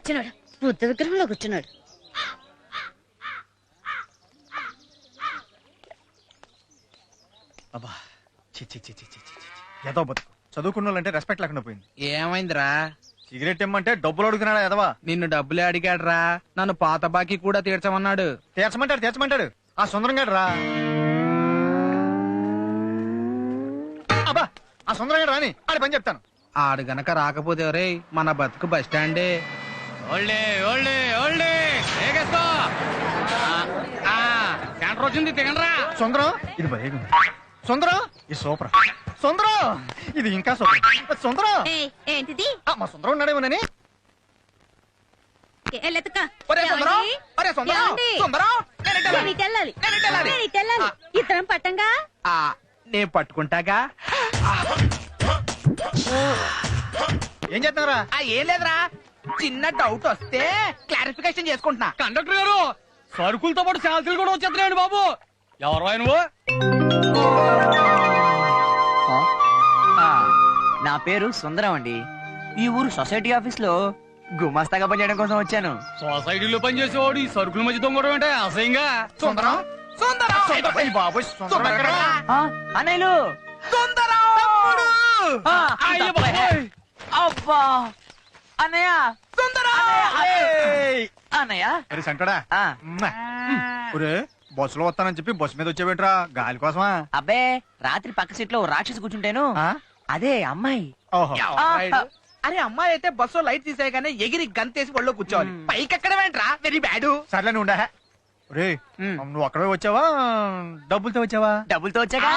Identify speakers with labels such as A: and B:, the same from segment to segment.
A: సచ్చినాడు, బుద్ధ విగ్రహంలో కూర్చున్నాడు.
B: అబ్బా ఏదో బతుకు చదువుకున్న వాళ్ళంటే రెస్పెక్ట్ లేకుండా పోయింది.
C: ఏమైందిరా?
B: సిగరెట్ ఇమ్మంటే డబ్బులు అడుగుతున్నాడా ఎదవా?
C: నిన్ను డబ్బులే అడిగాడ్రా, నన్ను పాత బాకీ కూడా తీర్చమన్నాడు.
B: తీర్చమంటాడు ఆ సుందరం గాడు రా. అబ్బా ఆ సుందరం గాడు రాని ఆడి పని చెప్తాను.
C: ఆడు గనక రాకపోతే రే మన బతుకు బస్ స్టాండే. వచ్చింది తిగండ్రా.
B: సుందరం ఇది భలే సుందరం ఇది సూపర్. సుందరం ఇది ఇంకా సూపర్. సుందరం
A: ఏంటిది?
B: మా సుందరం ఉన్నాడేమోనని.
A: ఇద్దరం పట్టంగా
C: నేను పట్టుకుంటాగా.
B: ఏం చేస్తున్నారా?
C: ఏం లేదురా, చిన్న డౌట్ వస్తే క్లారిఫికేషన్ చేసుకుంటున్నా.
D: కండక్టర్ గారు సరుకులతో పాటు శాంతులు కూడా వచ్చేస్తున్నాయండి బాబు. ఎవరు నువ్వు?
E: నా పేరు సుందరం అండి. ఈ ఊరు సొసైటీ ఆఫీస్ లో గుమాస్తాగా పనిచేయడం కోసం వచ్చాను.
D: సొసైటీలో పనిచేసేవాడు ఈ సరుకుల మధ్య దొంగడం అంటే అసహ్యంగా.
B: సుందరం బాబు
E: అన్నయ్యలు అబ్బా అన్నయ్య అన్నయ్య
B: సంటడా బస్సులో వస్తానని చెప్పి బస్సు మీద వచ్చేవేంట్రా? గాలి కోసమా?
E: అబ్బే రాత్రి పక్క సీట్ లో రాక్షసి కూర్చుంటాను. అదే అమ్మాయి.
C: అరే అమ్మాయి అయితే బస్సు లైట్ తీసేయగానే ఎగిరి గంతేసి ఒళ్ళో కూర్చోవాలి. పైకి ఎక్కడ వెంట్రా, వెరీ బ్యాడ్.
B: సర్లే నువ్వు ఉండా. రే నువ్వు అక్కడే వచ్చావా డబ్బులతో వచ్చావా?
E: డబ్బులతో వచ్చాగా.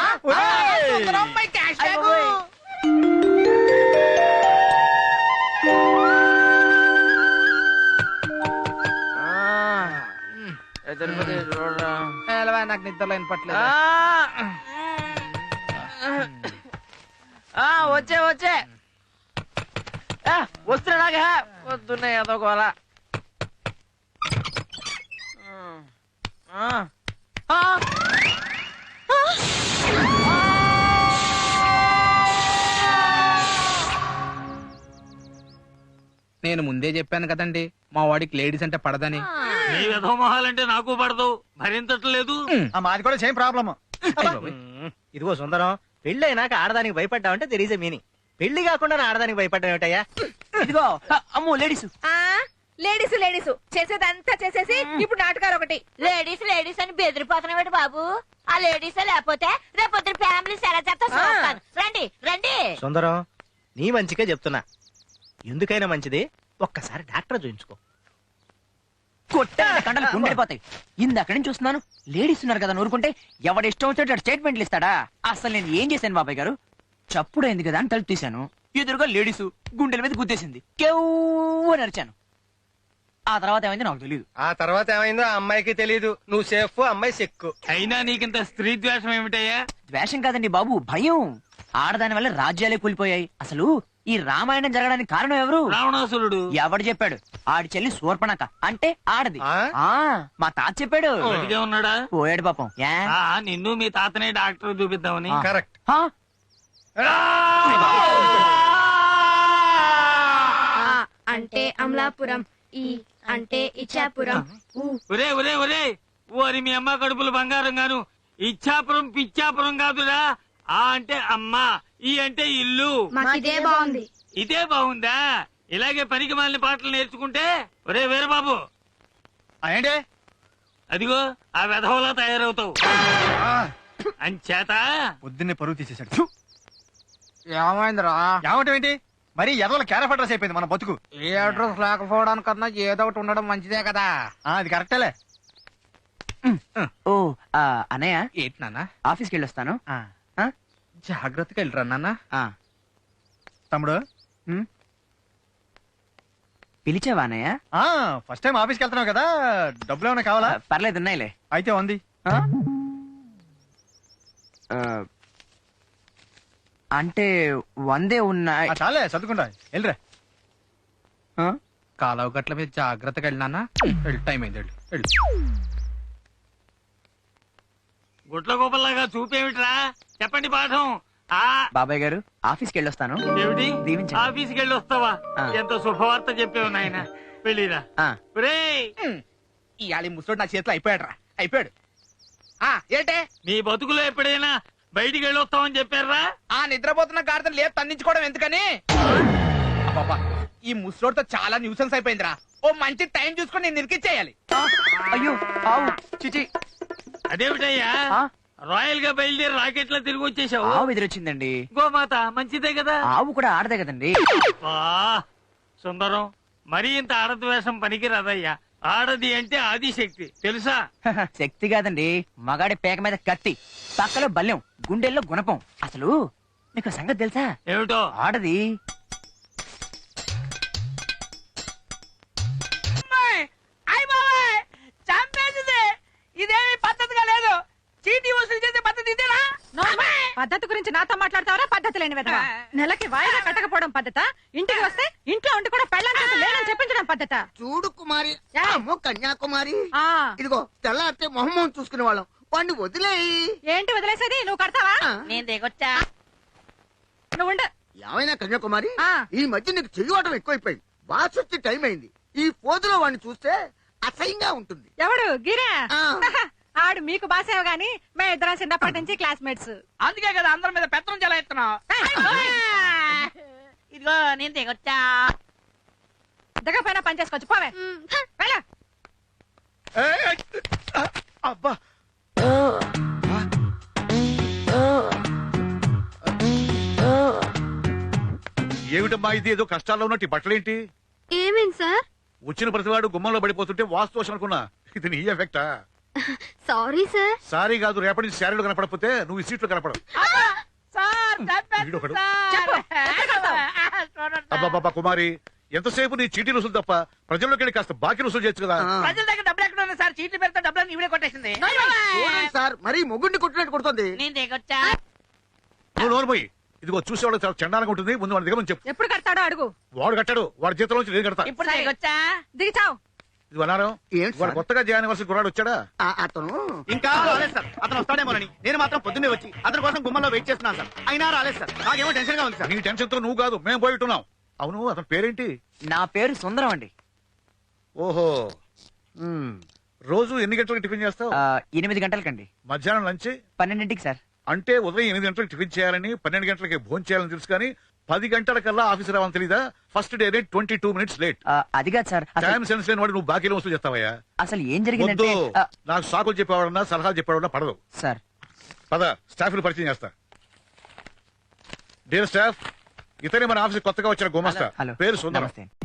C: నాకు నిద్రలో వినపట్లేదు.
E: వచ్చే వస్తున్నాగా వస్తున్నాయి ఏదో గోల.
C: నేను ముందే చెప్పాను కదండి మా వాడికి లేడీస్ అంటే పడదని.
D: నీ విధమొహాలంటే నాకు పడదు, భరించట్లేదు.
B: మాది కూడా సేమ్ ప్రాబ్లమ్.
F: ఇదిగో సుందరం, పెళ్లి అయినాక ఆడదానికి భయపడ్డావంటే తెర్ ఈజ్ ఎ మీనింగ్. పెళ్లి కాకుండా ఆడదానికి భయపడ్డా ఏమిటయ్యా?
E: ఇదిగో అమ్మో లేడీస్
A: లేడీస్ లేడీస్ చేసేదంతా చేసేసి ఇప్పుడు నాటకాలు ఒకటి. లేడీస్ లేడీస్ అని బెదిరిపోతున్నాడు బాబు. ఆ లేడీస్ లేకపోతే రేపొద్దు ఫ్యామిలీ ఎలా చేస్తాను. రండి రండి.
F: సుందరం నీ మంచిగా చెప్తున్నా, ఎందుకైనా మంచిది ఒక్కసారి డాక్టర్ చూయించుకో.
E: కొట్టాలి కండలు కుండిపోతాయి. ఇందక్కడి నుంచి చూస్తున్నాను లేడీస్ ఉన్నారు కదా, నూరుకుంటే ఎవడిష్టం వచ్చేటట్టు స్టేట్మెంట్లు ఇస్తాడా? అసలు నేను ఏం చేశాను బాబాయ్ గారు? చప్పుడైంది కదా అని తలుపు తీశాను, ఎదురుగా లేడీసు గుండెల మీద గుద్దేసింది. కేవ్వు నరిచాను. ఆ తర్వాత ఏమైంది నాకు తెలియదు.
F: ఆ తర్వాత ఏమైందో ఆ అమ్మాయికి తెలియదు. నువ్వు సేఫ్, అమ్మాయి సెక్కు.
D: అయినా నీకింత స్త్రీ ద్వేషం ఏమిటయ్యా?
E: ద్వేషం కాదండి బాబు, భయం. ఆడదాని వల్ల రాజ్యాలే కూలిపోయాయి. అసలు ఈ రామాయణం జరగడానికి కారణం ఎవరు?
D: రావణాసురుడు.
E: ఎవడు చెప్పాడు? ఆడి చెల్లి శూర్పణఖ అంటే ఆడది. మా తాత చెప్పాడు.
D: ఉన్నాడా?
E: పోయాడు పాపం.
D: నిన్ను మీ తాతనే డాక్టర్ చూపిద్దామని.
B: కరెక్ట్.
A: అంటే అమలాపురం, ఈ అంటే ఇచ్చాపురం.
D: ఒరే ఒరే ఒరే ఓరి మీ అమ్మ కడుపులు బంగారం గాను. ఇచ్చాపురం పిచ్చాపురం కాదురా. ఆ అంటే అమ్మ, ఈ అంటే ఇల్లు.
A: ఇదే బాగుంది.
D: ఇదే బాగుందా? ఇలాగే పనికి మాలిన పాటలు నేర్చుకుంటే ఒరే వీరబాబు
B: ఏంటే
D: అదిగో ఆ వెధవలా తయారవుతావు. అంచేత
B: పొద్దున్నే పరువు తీసేశాడు.
C: ఏమైందిరా?
B: ఏమంటావు ఏంటి? మరి ఎదవల క్యారెఫ్ అడ్రస్ అయిపోయింది మన బతుకు.
C: ఏ అడ్రస్ లేకపోవడానికన్నా ఏదో ఒకటి ఉండడం మంచిదే కదా.
B: అది కరెక్టేలే.
E: ఓ అన్నయ్య
C: ఏంటి నాన్న?
E: ఆఫీస్కి వెళ్ళొస్తాను.
C: జాగ్రత్తగా వెళ్ళరా నాన్న.
B: తమ్ముడు
E: పిలిచావా అన్నయ్య?
B: ఫస్ట్ టైం ఆఫీస్కి వెళ్తున్నావు కదా, డబ్బులు ఏమైనా కావాలా?
E: పర్లేదు ఉన్నాయిలే.
B: అయితే ఉంది.
E: అంటే 100 ఉన్నాయి.
B: చాలే చదువుకుంటా వెళ్ళరా.
C: కాలువ గట్ల మీద జాగ్రత్తగా వెళ్ళినా. టైం అయింది, వెళ్ళు.
D: గుట్ల గోపల్లాగా చూపేమిట్రా? చెప్పండి పాఠం.
E: బాబాయ్ గారు ఆఫీస్కి వెళ్ళొస్తాను.
D: ఏమిటి?
E: దీవించండి.
D: ఆఫీస్కి వెళ్ళి వస్తావా? ఎంత శుభవార్త చెప్పేవు నాయన. పెళ్ళిరా
E: ఆ,
D: ఒరేయ్
C: ఇవాళ ఈ ముసలోడు నా చేతిలో అయిపోయాడు రా అయిపోయాడు. ఆ ఏంటే
D: నీ బతుకులో ఎప్పుడైనా బయటికి వెళ్ళొస్తామని చెప్పారా?
C: ఆ నిద్రపోతున్న గాడిదని లేదు తన్నించుకోవడం ఎందుకని? అబ్బబ్బా, ఈ ముసలోడితో చాలా న్యూసెన్స్ అయిపోయిందిరా. ఓ మంచి టైం చూసుకొని నేను నిరికిచ్చేయాలి.
E: అయ్యో ఆవు చిచి.
D: అదేమిటయ్యా
E: ఆ,
D: రాయల్ గా బయలుదేరి రాకెట్ లో తిరిగి వచ్చేసావు?
E: ఆవు ఎదురొచ్చిందండి.
D: గోమాత మంచిదే కదా.
E: ఆవు కూడా ఆడదే కదండి.
D: వా, సుందరం మరీ ఇంత ఆడది వేషం పనికిరాదయ్యా. ఆడది అంటే ఆదిశక్తి తెలుసా?
E: శక్తి కాదండి, మగాడి పేక మీద కత్తి, పక్కలో బల్యం, గుండెల్లో గుణపం. అసలు మీకు సంగతి తెలుసా?
D: ఏమిటో?
E: ఆడది
C: ఇదేమి పద్ధతిగా లేదు. చీటీ వసూలు చేసే పద్ధతి ఇదేనా?
G: పద్ధతి గురించి నాతో మాట్లాడతావరా? పద్ధతి లేని విధవా. నెలకి వాయిదా కట్టకపోవడం పద్ధత, ఇంటికి వస్తే ఇంట్లో ఉండి కూడా పెళ్ళాం చేత లేనని చెప్పించడం పద్ధత.
H: చూడు కుమారి,
G: యా.
H: అమ్మో కన్యాకుమారి,
G: ఆ
H: ఇదిగో తెల్లారితే మొహమ్మం చూసుకునే వాళ్ళం, వాడిని వదిలేయి.
G: ఏంటి వదిలేసేది? నువ్వు కడతావా?
A: నేను దిగొచ్చా?
G: నువ్వు ఉండు.
H: ఏమైనా కన్యాకుమారి,
G: ఆ.
H: ఈ మధ్య నీకు చెయ్యవటం ఎక్కువైపోయింది. వాసొచ్చి టైం అయింది. ఈ పోజులో వాడిని చూస్తే అసహ్యంగా ఉంటుంది.
G: ఎవడు గిరా?
H: ఆ.
G: ఆడు మీకు బాసేవ గాని మేము ఇద్దరం చిన్నప్పటి నుంచి క్లాస్మేట్స్.
C: అందుకే కదా అందరి మీద పెత్తనం చాలా ఎత్తున్నావు.
A: ఇదిగో నేను దిగొచ్చా?
G: దిగపోయినా పని చేసుకోవచ్చు. పోవే వెళ్ళు.
I: అబ్బా ఏమిటమ్మా ఇది? ఏదో కష్టాల్లో ఉన్నట్టు ఈ బట్టలేంటి?
J: ఏమేం సార్?
I: వచ్చిన ప్రతివాడు గుమ్మంలో పడిపోతుంటే వాస్తు దోషం అనుకున్నా. ఇది నీ ఎఫెక్టా?
J: Sorry sir.
I: సారీ కాదు, రేపటి నుంచి శారీలో కనపడకపోతే నువ్వు ఈ సీట్లో కనపడవు. వీడొకడు.
G: చెప్పు, ఎక్కడ కడతావు?
I: అబ్బాబ్బా కుమారి, ఎంతసేపు నీ చీటీ రుసులు తప్ప ప్రజల్లోకి వెళ్ళి కాస్త బాకీ రుసులు చేయొచ్చు కదా.
H: ఆ.
C: ప్రజల దగ్గర డబ్బులు ఎక్కడ ఉన్నాయి సార్? చీట్లు పెడితే డబ్బులు ఇవిడే కొట్టేసింది.
H: చూడండి సార్, మరీ మొగుడిని కొట్టినట్టు కొడుతుంది.
A: నేను దిగొచ్చా?
I: నువ్వు నోరు పోయి. ఇదిగో చూసేవాళ్ళు చాలా చండాలంగా ఉంటుంది. ముందు వాడి దగ్గర నుంచి చెప్పు.
G: ఎప్పుడు కడతాడో అడుగు.
I: వాడు కట్టాడు, వాడి జీతంలో నుంచి నేను కడతా.
A: ఇప్పుడు దిగొచ్చా?
G: దిగి చావు.
I: ఇది అన్నారం.
H: ఏంటి
I: వాడు
H: సార్?
I: కొత్తగా జాయిన్ అవ్వాల్సిన కుర్రాడు వచ్చాడా?
H: అతను
F: ఇంకా రాలేదు సార్. అతను వస్తాడేమోనని నేను మాత్రం పొద్దున్నే వచ్చి అతని కోసం గుమ్మంలో వెయిట్ చేస్తున్నాను సార్. అయినా రాలేదు సార్. నాకేమో టెన్షన్ గా ఉంది సార్.
I: నీ టెన్షన్ తో నువ్వు కాదు, మేము పోయిట్టున్నాం. అవును, అతని పేరేంటి?
E: నా పేరు సుందరం అండి.
I: ఓహో. రోజు ఎన్ని గంటలకు టిఫిన్ చేస్తావు?
E: 8 గంటలకండి.
I: మధ్యాహ్నం లంచ్?
E: 12ంటికి సార్.
I: అంటే ఉదయం 8 గంటలకు టిఫిన్ చేయాలని, 12 గంటలకి భోజనం చేయాలని తెలుసు కానీ 10 గంటల కల్లా ఆఫీస్ రావాలని తెలీదా? First day 22 minutes late.
E: అది కాదు సార్.
I: టైం సెన్స్ లేని వాడు నువ్వు బాకీలో వస్తూ చేస్తావయ్యా.
E: అసలు ఏం
I: వద్దు,
E: జరిగిందంటే
I: నాకు సాకులు చెప్పేవాడన్నా సలహాలు చెప్పేవాడన్నా పడదు.
E: సార్,
I: పద, స్టాఫ్ పరిచయం చేస్తా. డియర్ స్టాఫ్, ఇతనే మన ఆఫీస్ కొత్తగా వచ్చిన గుమస్తా,
E: హలో,
I: పేరు సుందరం.
E: నమస్తే.